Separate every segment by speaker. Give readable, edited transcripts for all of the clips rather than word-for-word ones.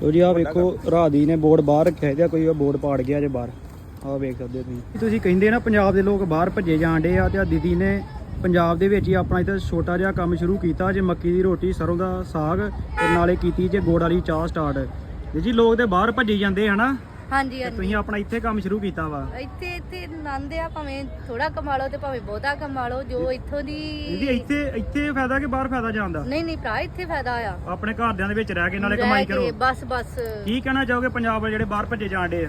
Speaker 1: ਲੋ ਜੀ ਆ ਵੇਖੋ ਰਾਦੀ ਨੇ ਬੋਰਡ ਬਾਹਰ ਰੱਖਿਆ ਇਹਦਾ ਕੋਈ ਬੋਰਡ ਪਾੜ ਗਿਆ ਜੇ ਬਾਹਰ ਆ ਵੇਖ ਸਕਦੇ ਤੁਸੀਂ ਕਹਿੰਦੇ ਨਾ ਪੰਜਾਬ ਦੇ ਲੋਕ ਬਾਹਰ ਭੱਜੇ ਜਾਂਦੇ ਆ ਤੇ ਆ ਦੀਦੀ ਨੇ ਪੰਜਾਬ ਦੇ ਵਿੱਚ ਹੀ ਆਪਣਾ ਇੱਥੇ ਛੋਟਾ ਜਿਹਾ ਕੰਮ ਸ਼ੁਰੂ ਕੀਤਾ ਜੇ ਮੱਕੀ ਦੀ ਰੋਟੀ ਸਰੋਂ ਦਾ ਸਾਗ ਤੇ ਨਾਲੇ ਕੀਤੀ ਜੇ ਗੁੜ ਵਾਲੀ ਚਾਹ ਸਟਾਰਟ ਜੀ ਲੋਕ ਤੇ ਬਾਹਰ ਭੱਜੇ ਜਾਂਦੇ ਹਨਾ
Speaker 2: ਹਾਂਜੀ ਹਾਂਜੀ
Speaker 1: ਤੁਸੀਂ ਆਪਣਾ ਇੱਥੇ ਕੰਮ ਸ਼ੁਰੂ ਕੀਤਾ ਵਾ
Speaker 2: ਇੱਥੇ ਆਨੰਦ ਆ ਭਾਵੇਂ ਥੋੜਾ ਕਮਾ ਲਓ ਤੇ ਭਾਵੇਂ ਬਹੁਤਾ ਕਮਾ ਲਓ ਜੋ ਇੱਥੋਂ ਦੀ
Speaker 1: ਦੀਦੀ ਇੱਥੇ ਫਾਇਦਾ ਕਿ ਬਾਹਰ ਫਾਇਦਾ ਜਾਂਦਾ
Speaker 2: ਨਹੀਂ ਭਰਾ ਇੱਥੇ ਫਾਇਦਾ ਆ
Speaker 1: ਆਪਣੇ ਘਰਦਿਆਂ ਦੇ ਵਿੱਚ ਰਹਿ ਕੇ ਨਾਲੇ ਕਮਾਈ ਕਰੋ
Speaker 2: ਬਸ
Speaker 1: ਕੀ ਕਹਿਣਾ ਚਾਹੋਗੇ ਪੰਜਾਬ ਵਾਲੇ ਜਿਹੜੇ ਬਾਹਰ ਭੱਜੇ ਜਾਂਦੇ ਆ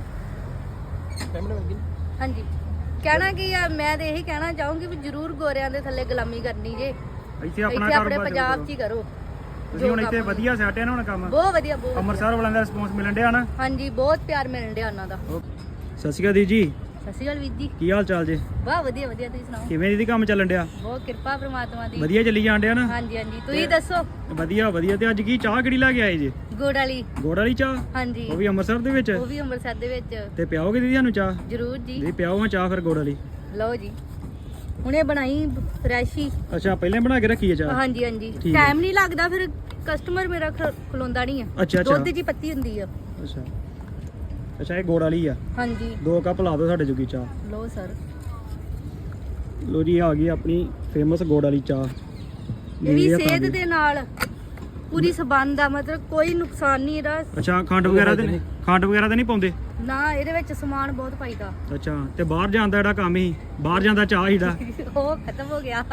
Speaker 2: ਹਾਂਜੀ ਕਹਿਣਾ ਕੀ ਆ ਮੈਂ ਤੇ ਇਹੀ ਕਹਿਣਾ ਚਾਹੂੰਗੀ ਵੀ ਜ਼ਰੂਰ ਗੋਰਿਆਂ ਦੇ ਥੱਲੇ ਗੁਲਾਮੀ ਕਰਨੀ ਜੇ
Speaker 1: ਇੱਥੇ ਆਪਣਾ
Speaker 2: ਆਪਣੇ
Speaker 1: ਕਾਰੋਬਾਰ
Speaker 2: ਪੰਜਾਬ 'ਚ ਹੀ ਕਰੋ
Speaker 1: ਤੁਸੀਂ ਹੁਣ ਇੱਥੇ ਵਧੀਆ ਸੈਟ ਹੈ ਨਾ ਹੁਣ ਕੰਮ
Speaker 2: ਬਹੁਤ ਵਧੀਆ
Speaker 1: ਅੰਮ੍ਰਿਤਸਰ ਵਾਲਿਆਂ ਦਾ ਰਿਸਪੌਂਸ ਮਿਲਣ ਡਿਆ ਨਾ
Speaker 2: ਹਾਂਜੀ ਬਹੁਤ ਪਿਆਰ ਮਿਲਣ ਡਿਆ ਉਹਨਾਂ ਦਾ
Speaker 1: ਸਤਿ ਸ਼੍ਰੀ ਅਕਾਲ ਦੀਦੀ ਜੀ
Speaker 2: ਸਤਿ ਸ਼੍ਰੀ ਅਕਾਲ ਵੀਰ ਜੀ
Speaker 1: ਕੀ ਹਾਲ ਚਾਲ ਜੀ
Speaker 2: ਬਹੁਤ ਵਧੀਆ ਤੁਸੀਂ ਸੁਣਾਓ
Speaker 1: ਕਿਵੇਂ ਦੀਦੀ ਕੰਮ ਚੱਲਣ ਡਿਆ
Speaker 2: ਬਹੁਤ ਕਿਰਪਾ ਪ੍ਰਮਾਤਮਾ ਦੀ
Speaker 1: ਵਧੀਆ ਚੱਲੀ ਜਾਣ ਡਿਆ ਨਾ
Speaker 2: ਹਾਂਜੀ ਤੁਸੀਂ ਦੱਸੋ
Speaker 1: ਵਧੀਆ ਤੇ ਅੱਜ ਕੀ ਚਾਹ ਕਿਹੜੀ ਲੈ ਕੇ ਆਏ ਜੀ
Speaker 2: ਗੁੜ ਵਾਲੀ ਚਾਹ
Speaker 1: ਹਾਂਜੀ ਉਹ ਵੀ ਅੰਮ੍ਰਿਤਸਰ ਦੇ ਵਿੱਚ
Speaker 2: ਉਹ ਵੀ ਅੰਮ੍ਰਿਤਸਰ ਦੇ ਵਿੱਚ
Speaker 1: ਤੇ ਪਿਆਓਗੇ ਦੀਦੀ ਸਾਨੂੰ ਚਾਹ
Speaker 2: ਜ਼ਰੂਰ ਜੀ
Speaker 1: ਦੀਦੀ ਪਿਆਓ ਹਾਂ ਚਾਹ ਫਿਰ ਗੁੜ ਵਾਲੀ
Speaker 2: ਲਓ ਜੀ ਹੁਣੇ ਬਣਾਈ ਫਰੈਸ਼ ਹੀ
Speaker 1: ਅੱਛਾ ਪਹਿਲਾਂ ਬਣਾ ਕੇ ਰੱਖੀ ਹੈ ਚਾਹ
Speaker 2: ਹਾਂਜੀ ਟਾਈਮ ਨਹੀਂ ਲੱਗਦਾ ਫਿਰ ਕਸਟਮਰ ਮੇਰਾ ਖਲੋਂਦਾ ਨਹੀਂ ਆ
Speaker 1: ਅੱਛਾ
Speaker 2: ਦੁੱਧ ਜੀ ਪੱਤੀ ਹੁੰਦੀ ਆ
Speaker 1: ਅੱਛਾ ਇਹ ਗੁੜ ਵਾਲੀ ਆ
Speaker 2: ਹਾਂਜੀ
Speaker 1: 2 ਕੱਪ ਲਾ ਦਿਓ ਸਾਡੇ ਜੋਗੀ ਚਾਹ
Speaker 2: ਲਓ ਸਰ
Speaker 1: ਲੋ ਜੀ ਆ ਗਈ ਆਪਣੀ ਫੇਮਸ ਗੁੜ ਵਾਲੀ ਚਾਹ
Speaker 2: ਇਹ ਵੀ ਸਿਹਤ ਦੇ ਨਾਲ ਪੂਰੀ ਸਬੰਧ ਆ ਮਤਲਬ ਕੋਈ ਨੁਕਸਾਨ ਨਹੀਂ ਇਹਦਾ
Speaker 1: ਅੱਛਾ ਖੰਡ ਵਗੈਰਾ ਤੇ ਨਹੀਂ ਪਾਉਂਦੇ
Speaker 2: ਨਾ ਇਹਦੇ ਵਿੱਚ ਸਮਾਨ ਬਹੁਤ ਪਾਈਦਾ
Speaker 1: ਅੱਛਾ ਤੇ ਬਾਹਰ ਜਾਂਦਾ ਜਿਹੜਾ ਕੰਮ ਹੀ ਬਾਹਰ ਜਾਂਦਾ ਚਾਹ ਹੀ ਦਾ
Speaker 2: ਉਹ ਖਤਮ ਹੋ ਗਿਆ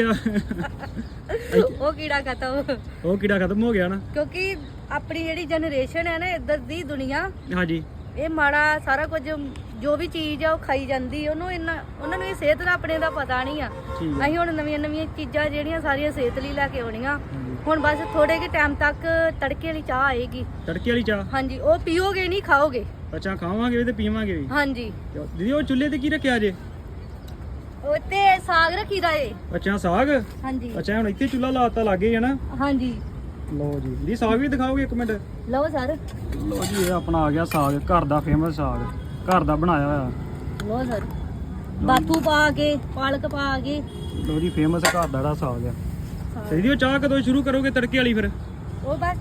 Speaker 2: ਉਹ ਕੀੜਾ ਖਤਮ ਹੋ ਗਿਆ ਨਾ
Speaker 1: ਕਿਉਂਕਿ
Speaker 2: ਆਪਣੀ ਜਿਹੜੀ ਜਨਰੇਸ਼ਨ ਹੈ ਨਾ ਇੱਧਰ ਦੀ ਦੁਨੀਆ
Speaker 1: ਹਾਂਜੀ
Speaker 2: ਇਹ ਮਾੜਾ ਸਾਰਾ ਕੁਝ ਜੋ ਵੀ ਚੀਜ਼ ਆ ਉਹ ਖਾਈ ਜਾਂਦੀ ਉਹਨਾਂ ਨੂੰ ਇਹ ਸਿਹਤ ਦਾ ਆਪਣੇ ਦਾ ਪਤਾ ਨਹੀਂ ਆ ਅਸੀਂ ਹੁਣ ਨਵੀਆਂ ਚੀਜ਼ਾਂ ਜਿਹੜੀਆਂ ਸਾਰੀਆਂ ਸਿਹਤ ਲਈ ਲੈ ਕੇ ਆਉਣੀਆਂ ਹੁਣ ਬਸ ਥੋੜੇ ਜਿਹੇ ਟਾਈਮ ਤੱਕ ਤੜਕੇ ਵਾਲੀ ਚਾਹ ਆਏਗੀ ਹਾਂਜੀ ਉਹ ਪੀਓਗੇ ਨਹੀਂ ਖਾਓਗੇ
Speaker 1: ਅੱਛਾ ਖਾਵਾਂਗੇ ਵੀ ਤੇ ਪੀਵਾਂਗੇ ਵੀ
Speaker 2: ਹਾਂਜੀ
Speaker 1: ਦੀਦੀ ਉਹ ਚੁੱਲ੍ਹੇ ਤੇ ਕੀ ਰੱਖਿਆ ਜੇ
Speaker 2: ਉੱਤੇ ਸਾਗ ਰੱਖੀਦਾ ਏ
Speaker 1: ਅੱਛਾ ਸਾਗ
Speaker 2: ਹਾਂਜੀ
Speaker 1: ਅੱਛਾ ਹੁਣ ਇੱਥੇ ਚੁੱਲ੍ਹਾ ਲਾਤਾ ਲੱਗੇ ਹੈ ਨਾ
Speaker 2: ਹਾਂਜੀ
Speaker 1: ਲਓ ਜੀ ਦੀਦੀ ਸਾਗ ਵੀ ਦਿਖਾਓਗੇ ਇੱਕ ਮਿੰਟ
Speaker 2: ਲਓ ਸਰ
Speaker 1: ਲਓ ਜੀ ਇਹ ਆਪਣਾ ਆ ਗਿਆ ਸਾਗ ਘਰ ਦਾ ਫੇਮਸ ਸਾਗ ਘਰ ਦਾ ਬਣਾਇਆ ਹੋਇਆ
Speaker 2: ਲਓ ਸਰ ਬਾਥੂ ਪਾ ਕੇ ਪਾਲਕ ਪਾ ਕੇ
Speaker 1: ਲਓ ਜੀ ਫੇਮਸ ਘਰ ਦਾ ਜਿਹੜਾ ਸਾਗ ਆ ਤੇ ਦੀਦੀ ਉਹ ਚਾਹ ਕਦੋਂ ਸ਼ੁਰੂ ਕਰੋਗੇ ਤੜਕੇ ਵਾਲੀ ਫਿਰ
Speaker 2: ਉਹ ਬਸ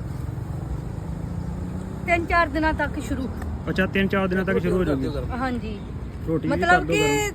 Speaker 2: 3-4 ਦਿਨਾਂ ਤੱਕ ਸ਼ੁਰੂ
Speaker 1: ਅੱਛਾ 3-4 ਦਿਨਾਂ ਤੱਕ ਸ਼ੁਰੂ ਹੋ ਜਾਊਗੀ
Speaker 2: ਹਾਂਜੀ
Speaker 1: ਰੋਟੀ
Speaker 2: ਮਤਲਬ ਕਿ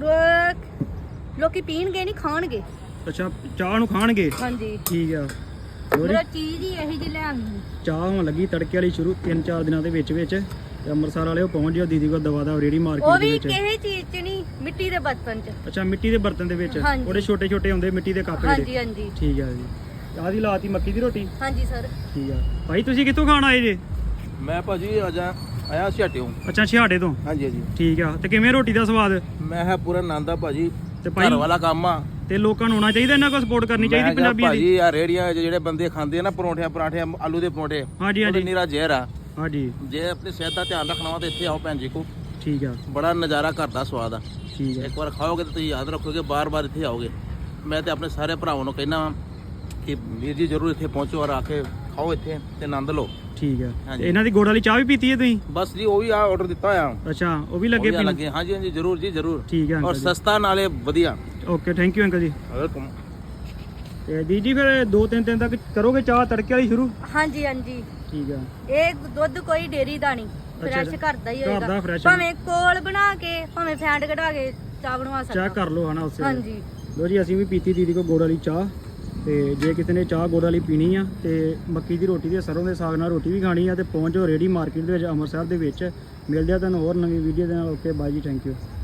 Speaker 2: ਲੋਕੀ ਪੀਣਗੇ ਨਹੀਂ ਖਾਣਗੇ
Speaker 1: ਅੱਛਾ ਚਾਹ ਨੂੰ ਖਾਣਗੇ
Speaker 2: ਹਾਂਜੀ
Speaker 1: ਠੀਕ ਆ
Speaker 2: ਮੇਰਾ ਚੀਜ਼ ਹੀ ਇਹੀ ਜਿਹੀ ਲੈਣੀ
Speaker 1: ਚਾਹ ਹੋਣ ਲੱਗੀ ਤੜਕੇ ਵਾਲੀ ਸ਼ੁਰੂ 3-4 ਦਿਨਾਂ ਦੇ ਵਿੱਚ ਤੇ ਅੰਮ੍ਰਿਤਸਰ ਵਾਲੇ ਉਹ ਪਹੁੰਚ ਜਿਓ ਦੀਦੀ ਕੋਲ ਦਵਾ ਰੇੜੀ ਮਾਰਕੀਟ ਦੇ ਵਿੱਚ
Speaker 2: ਉਹ ਵੀ ਕਿਸੇ ਚੀਜ਼ 'ਚ ਨਹੀਂ ਮਿੱਟੀ ਦੇ ਬਰਤਨ 'ਚ
Speaker 1: ਅੱਛਾ ਮਿੱਟੀ ਦੇ ਬਰਤਨ ਦੇ ਵਿੱਚ ਉਹਦੇ ਛੋਟੇ ਹੁੰਦੇ ਮਿੱਟੀ ਦੇ ਕੱਪ ਜਿਹੜੇ
Speaker 2: ਹਾਂਜੀ
Speaker 1: ਠੀਕ ਆ ਜੀ ਆਹ ਦੀ ਲਾਤੀ ਮੱਕੀ ਦੀ ਰੋਟੀ
Speaker 2: ਹਾਂਜੀ ਸਰ
Speaker 1: ਠੀਕ ਆ ਭਾਈ ਤੁਸੀਂ ਕਿੱਥੋਂ ਖਾਣ ਆਏ ਜੇ
Speaker 3: ਮੈਂ ਭਾਜੀ ਆਇਆ ਛਾਟਿਓ
Speaker 1: ਅੱਛਾ ਛਿਹਾਟੇ ਤੋਂ ਹਾਂਜੀ ਠੀਕ ਆ ਤੇ ਕਿਵੇਂ ਰੋਟੀ ਦਾ ਸਵਾਦ
Speaker 3: ਮੈਂ ਹੈ ਪੂਰਾ ਆਨੰਦ ਆ ਭਾਜੀ
Speaker 1: ਤੇ ਭਾਈ
Speaker 3: ਘਰ ਵਾਲਾ ਕੰਮ ਆ
Speaker 1: ਤੇ ਲੋਕਾਂ ਨੂੰ ਆਉਣਾ ਚਾਹੀਦਾ ਇਹਨਾਂ ਕੋਲ ਸਪੋਰਟ ਕਰਨੀ ਚਾਹੀਦੀ ਪੰਜਾਬੀਆਂ ਦੀ
Speaker 3: ਭਾਜੀ ਆ ਰੇੜੀਆਂ ਜਿਹੜੇ ਬੰਦੇ ਖਾਂਦੇ ਆ ਨਾ ਪਰਾਠੇ ਆਲੂ ਦੇ ਪਰੌਂਠੇ
Speaker 1: ਹਾਂਜੀ
Speaker 3: ਨੀਰਾ ਜ਼ਹਿਰ ਆ
Speaker 1: ਹਾਂਜੀ
Speaker 3: ਜੇ ਆਪਣੀ ਸਿਹਤ ਦਾ ਧਿਆਨ ਰੱਖਣਾ ਵਾ ਤੇ ਇੱਥੇ ਆਓ ਭੈਣ ਜੀ ਕੋ
Speaker 1: ਠੀਕ ਆ
Speaker 3: ਬੜਾ ਨਜ਼ਾਰਾ ਘਰ ਦਾ ਸਵਾਦ ਆ
Speaker 1: ਠੀਕ ਆ
Speaker 3: ਇੱਕ ਵਾਰ ਖਾਓਗੇ ਤਾਂ ਤੁਸੀਂ ਯਾਦ ਰੱਖੋਗੇ ਬਾਰ-ਬਾਰ ਇੱਥੇ ਆਓਗੇ ਮੈਂ ਤੇ ਆਪਣੇ ਸਾਰੇ ਭਰਾਵਾਂ ਨੂੰ ਕਹਿਣਾ ਕਿ ਵੀਰ ਜੀ ਜ਼ਰੂਰ ਇੱਥੇ ਪਹੁੰਚੋ ਔਰ ਆ ਕੇ ਖਾਓ ਇੱਥੇ ਤੇ ਆਨੰਦ ਲਓ
Speaker 1: ਠੀਕ ਆ ਇਹਨਾਂ ਦੀ ਗੁੜ ਵਾਲੀ ਚਾਹ ਵੀ ਪੀਤੀ ਹੈ ਤੁਸੀਂ
Speaker 3: ਬਸ ਜੀ ਉਹ ਵੀ ਆ ਆਰਡਰ ਦਿੱਤਾ ਹੋਇਆ
Speaker 1: ਅੱਛਾ ਉਹ ਵੀ ਲੱਗੇ ਪੀਣ
Speaker 3: ਹਾਂਜੀ ਜ਼ਰੂਰ ਜੀ ਜ਼ਰੂਰ
Speaker 1: ਠੀਕ ਆ
Speaker 3: ਔਰ ਸਸਤਾ ਨਾਲੇ ਵਧੀਆ
Speaker 1: okay thank you uncle ji
Speaker 3: welcome
Speaker 1: ਤੇ ਦੀਦੀ ਫਿਰ 2-3 ਦਿਨ ਤੱਕ ਕਰੋਗੇ ਚਾਹ ਤੜਕੇ ਵਾਲੀ ਸ਼ੁਰੂ
Speaker 2: ਹਾਂਜੀ
Speaker 1: ਠੀਕ ਆ
Speaker 2: ਇਹ ਦੁੱਧ ਕੋਈ ਡੇਰੀ ਦਾ ਨਹੀਂ ਫਰੈਸ਼ ਘਰ ਦਾ ਹੀ ਹੋਏਗਾ ਭਾਵੇਂ ਕੋਲ ਬਣਾ ਕੇ ਭਾਵੇਂ ਫੈਂਟ ਕਢਾ ਕੇ ਚਾਹ ਬਣਵਾ ਸਕਦਾ
Speaker 1: ਚਾਹ ਕਰ ਲਓ ਹਨਾ ਉਸੇ
Speaker 2: ਹਾਂਜੀ
Speaker 1: ਲੋ ਜੀ ਅਸੀਂ ਵੀ ਪੀਤੀ ਦੀਦੀ ਕੋ ਗੁੜ ਵਾਲੀ ਚਾਹ ਤੇ ਜੇ ਕਿਸੇ ਨੇ ਚਾਹ ਗੁੜ ਵਾਲੀ ਪੀਣੀ ਆ ਤੇ ਮੱਕੀ ਦੀ ਰੋਟੀ ਤੇ ਸਰੋਂ ਦੇ ਸਾਗ ਨਾਲ ਰੋਟੀ ਵੀ ਖਾਣੀ ਆ ਤੇ ਪਹੁੰਚੋ ਰੇੜੀ ਮਾਰਕੀਟ ਦੇ ਵਿੱਚ ਅੰਮ੍ਰਿਤਸਰ ਦੇ ਵਿੱਚ ਮਿਲਦੇ ਆ ਤੁਹਾਨੂੰ ਹੋਰ ਨਵੀਂ ਵੀਡੀਓ ਦੇ ਨਾਲ ਓਕੇ ਬਾਈ ਜੀ ਥੈਂਕ ਯੂ